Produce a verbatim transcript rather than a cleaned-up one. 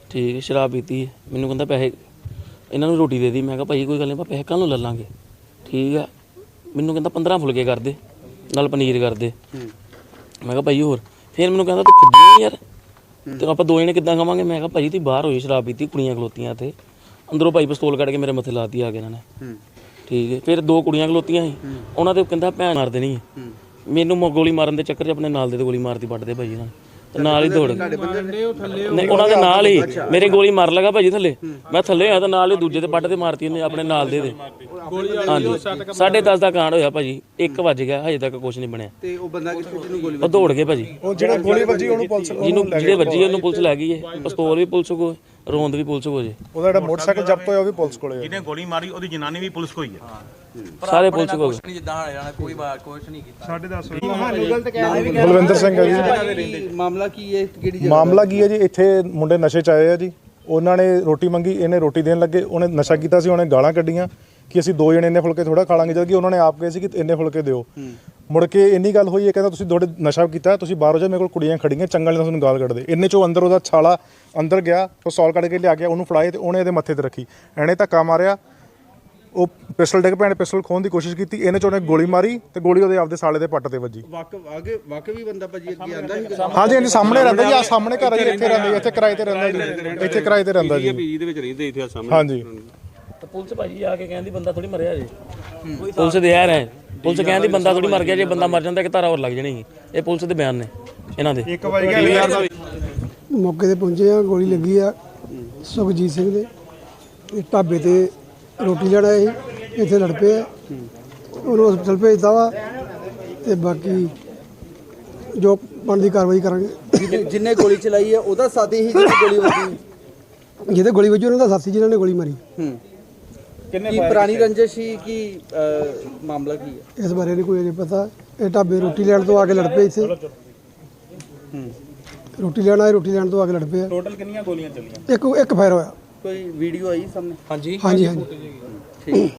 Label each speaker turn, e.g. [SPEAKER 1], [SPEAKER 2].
[SPEAKER 1] ठीक है शराब पीती मैनू कहता पैसे इन्होंने रोटी दे दी मैं कहा भाई कोई गल नहीं पैसे कल ले लाँगे ठीक है मैनू कहता पंद्रह फुलके कर दे नाल पनीर कर दे मैं कहा भाई होर फिर मैनू कहता तू किद्दां यार तो आप दो जने किद्दां खावांगे मैं कहा भाई तुसीं बाहर होई शराब पीती कुड़ियां खलोतियां इत्थे अंदरों भाई पिस्तौल कढ़ के मेरे मत्थे लाती आ के इन्होंने ठीक है फिर दो कुड़ियां खलोतियां सी उन्हां ते कहंदा भैन मार देनी है मैनू गोली मारन दे चक्कर च अपने नाल दे गोली मारती पड़दे भाई इन्हां ते नाल ही दौड़ नहीं उन्हां दे नाल ही मेरे गोली मार लगा भाजी थल्ले मैं थल्ले होया ते नाल ही दूजे ते पट्ट ते मारती उन्हें अपने नाल दे दे हाँ जी साढ़े दस का कांड होया भाजी एक वज गया हजे तक कुछ नहीं बनया
[SPEAKER 2] ਤੇ ਉਹ ਬੰਦਾ ਕਿੱਥੇ ਜਿਹਨੂੰ ਗੋਲੀ
[SPEAKER 1] ਉਹ ਦੌੜ ਗਏ ਭਾਜੀ
[SPEAKER 3] ਉਹ ਜਿਹੜਾ ਗੋਲੀ ਵੱਜੀ ਉਹਨੂੰ ਪੁਲਿਸ
[SPEAKER 1] ਜਿਹਨੂੰ ਜਿਹੜੇ ਵੱਜੀ ਉਹਨੂੰ ਪੁਲਿਸ ਲੈ ਗਈ ਹੈ ਪਿਸਤੌਲ ਵੀ ਪੁਲਿਸ ਕੋਲ ਰੋਂਦ ਵੀ ਪੁਲਿਸ ਕੋਲ ਜੇ
[SPEAKER 3] ਉਹਦਾ ਜਿਹੜਾ ਮੋਟਰਸਾਈਕਲ ਜ਼ਬਤ ਹੋਇਆ ਉਹ ਵੀ ਪੁਲਿਸ ਕੋਲੇ ਹੈ
[SPEAKER 4] ਜਿਹਨੇ ਗੋਲੀ ਮਾਰੀ ਉਹਦੀ ਜਨਾਨੀ ਵੀ ਪੁਲਿਸ ਕੋਲ ਹੀ ਹੈ
[SPEAKER 1] ਸਾਰੇ ਪੁਲਿਸ ਕੋਲ
[SPEAKER 5] ਜਿੱਦਾਂ ਜਾਣਾ ਕੋਈ ਬਾਤ ਕੁਛ ਨਹੀਂ ਕੀਤਾ
[SPEAKER 3] ਸਾਢੇ ਦਸ ਵਜੇ ਬਲਵਿੰਦਰ ਸਿੰਘ ਹੈ ਜੀ
[SPEAKER 2] ਮਾਮਲਾ ਕੀ ਹੈ ਕਿਹੜੀ ਜਗ੍ਹਾ
[SPEAKER 3] ਮਾਮਲਾ ਕੀ ਹੈ ਜੀ ਇੱਥੇ ਮੁੰਡੇ ਨਸ਼ੇ ਚ ਆਏ ਆ ਜੀ ਉਹਨਾਂ ਨੇ ਰੋਟੀ ਮੰਗੀ ਇਹਨੇ ਰੋਟੀ ਦੇਣ ਲੱਗੇ ਉਹਨੇ ਨਸ਼ਾ ਕੀਤਾ ਸੀ ਉਹਨੇ ਗਾਲਾਂ ਕੱਢੀਆਂ ਕਿ ਅਸੀਂ ਦੋ ਜਣੇ ਇੰਨੇ ਫੁਲਕੇ ਥੋੜਾ ਖਾ ਲਾਂਗੇ ਜਦ ਕਿ ਉਹਨਾਂ ਨੇ ਆਪ ਕਹੇ ਸੀ ਕਿ ਇੰਨੇ ਫੁਲਕੇ ਦਿਓ ਮੁੜ ਕੇ ਇੰਨੀ ਗੱਲ ਹੋਈ ਇਹ ਕਹਿੰਦਾ ਤੁਸੀਂ ਥੋੜੇ ਨਸ਼ਾ ਕੀਤਾ ਤੁਸੀਂ ਬਾਹਰੋਂ ਜਾ ਮੇਰੇ ਕੋਲ ਕੁੜੀਆਂ ਖੜੀਆਂ ਚੰਗਾ ਨਹੀਂ ਤੁਹਾਨੂੰ ਗਾਲ ਕੱਢਦੇ ਇੰਨੇ ਚੋਂ ਅੰਦਰ ਉਹਦਾ ਛਾਲਾ ਅੰਦਰ ਗਿਆ ਉਹ ਸੌਲ ਕੱਢ ਕੇ ਲਿਆ ਗਿਆ ਉਹਨੂੰ ਫੜਾਏ ਤੇ ਉਹਨੇ ਇਹਦੇ ਮੱਥੇ ਤੇ ਰੱਖੀ ਇਹਨੇ ਧੱਕਾ ਮਾਰਿਆ ਉਹ ਪਿਸਟਲ ਡਿੱਗ ਪਿਆ ਪਿਸਟਲ ਖੋਹਣ ਦੀ ਕੋਸ਼ਿਸ਼ ਕੀਤੀ ਇਹਨੇ ਚੋਂ ਉਹਨੇ ਗੋਲੀ ਮਾਰੀ ਤੇ ਗੋਲੀ ਉਹਦੇ ਆਪਦੇ ਸਾਲੇ ਦੇ ਪੱਟ ਤੇ ਵੱਜੀ
[SPEAKER 2] ਵਾਕਫ ਆਗੇ ਵਾਕਫ ਵੀ ਬੰਦਾ ਭਾਜੀ ਅੱਗੇ ਆਂਦਾ ਸੀ
[SPEAKER 3] ਹਾਂਜੀ ਹਾਂਜੀ ਸਾਹਮਣੇ ਰਹਿੰਦਾ ਜੀ ਆ ਸਾਹਮਣੇ ਘਰ ਜੀ ਇੱਥੇ ਰਹਿੰਦਾ ਜੀ ਇੱਥੇ ਕਿਰਾਏ ਤੇ ਰਹਿੰਦਾ ਜੀ ਇੱਥੇ ਕਿਰਾਏ ਤੇ ਰਹਿੰਦਾ ਜੀ
[SPEAKER 4] ਪੀਜੀ ਦੇ ਵਿੱਚ ਰਹਿੰਦੇ ਇੱਥੇ ਸਾਹਮਣੇ
[SPEAKER 3] ਹਾਂਜੀ
[SPEAKER 1] ਤੇ ਪੁਲਿਸ ਭਾਜੀ ਆ ਕੇ ਕਹਿੰਦੀ ਬੰਦਾ ਥੋੜੀ ਮਰਿਆ ਜੇ ਪੁਲਿਸ ਦੇ ਯਾਰ ਹੈ ਪੁਲਿਸ ਕਹਿੰਦੀ ਬੰਦਾ ਥੋੜੀ ਮਰ ਗਿਆ ਜੇ ਬੰਦਾ ਮਰ ਜਾਂਦਾ ਕਿ ਧਾਰਾ ਹੋਰ ਲੱਗ ਜਾਣੀ ਸੀ ਇਹ ਪੁਲਿਸ ਦੇ ਬਿਆਨ ਨੇ ਇਹਨਾਂ ਦੇ
[SPEAKER 3] ਇੱਕ ਵਜ ਗਿਆ
[SPEAKER 6] ਮੌਕੇ ਤੇ ਪਹੁੰਚੇ ਆ ਗੋਲੀ ਲੱਗੀ ਆ ਸੁਖਜੀਤ ਸਿੰਘ ਦੇ ਇਹ ਢਾਬੇ ਤੇ ਰੋਟੀ ਲੈਣ ਆਏ ਸੀ ਇੱਥੇ ਲੜ ਪਏ ਆ ਉਹਨੂੰ ਹਸਪਤਾਲ ਭੇਜਤਾ ਵਾ ਤੇ ਬਾਕੀ ਜੋ ਬਣਦੀ ਕਾਰਵਾਈ ਕਰਾਂਗੇ
[SPEAKER 2] ਜਿੰਨੇ ਗੋਲੀ ਚਲਾਈ ਹੈ ਉਹਦਾ ਸਾਥੀ ਹੀ ਜਿਹਦੀ ਗੋਲੀ ਵੱਜੀ
[SPEAKER 6] ਜਿਹਦੇ ਗੋਲੀ ਵੱਜੀ ਉਹਨਾਂ ਦਾ ਸਾਥੀ ਜਿਨ੍ਹਾਂ ਨੇ ਗੋਲੀ ਮਾਰੀ
[SPEAKER 2] ਹੂੰ ਕਿੰਨੇ ਕੀ ਪੁਰਾਣੀ ਰੰਜਿਸ਼ ਸੀ ਕੀ ਮਾਮਲਾ ਕੀ ਹੈ
[SPEAKER 6] ਇਸ ਬਾਰੇ ਨਹੀਂ ਕੋਈ ਅਜੇ ਪਤਾ ਇਹ ਢਾਬੇ ਰੋਟੀ ਲੈਣ ਤੋਂ ਆ ਕੇ ਲੜ ਪਏ ਇੱਥੇ
[SPEAKER 2] ਹੂੰ
[SPEAKER 6] ਰੋਟੀ ਲੈਣ ਆਏ ਰੋਟੀ ਲੈਣ ਤੋਂ ਆ ਕੇ ਲੜ ਪਏ ਆ
[SPEAKER 4] ਟੋਟਲ ਕਿੰਨੀਆਂ ਗੋਲੀਆਂ ਚੱਲੀਆਂ
[SPEAKER 6] ਇੱਕ ਇੱਕ ਫਾਇਰ ਹੋਇਆ
[SPEAKER 2] ਕੋਈ ਵੀਡੀਓ ਆਈ ਸਾਹਮਣੇ
[SPEAKER 6] ਹਾਂਜੀ ਹਾਂਜੀ
[SPEAKER 2] ਠੀਕ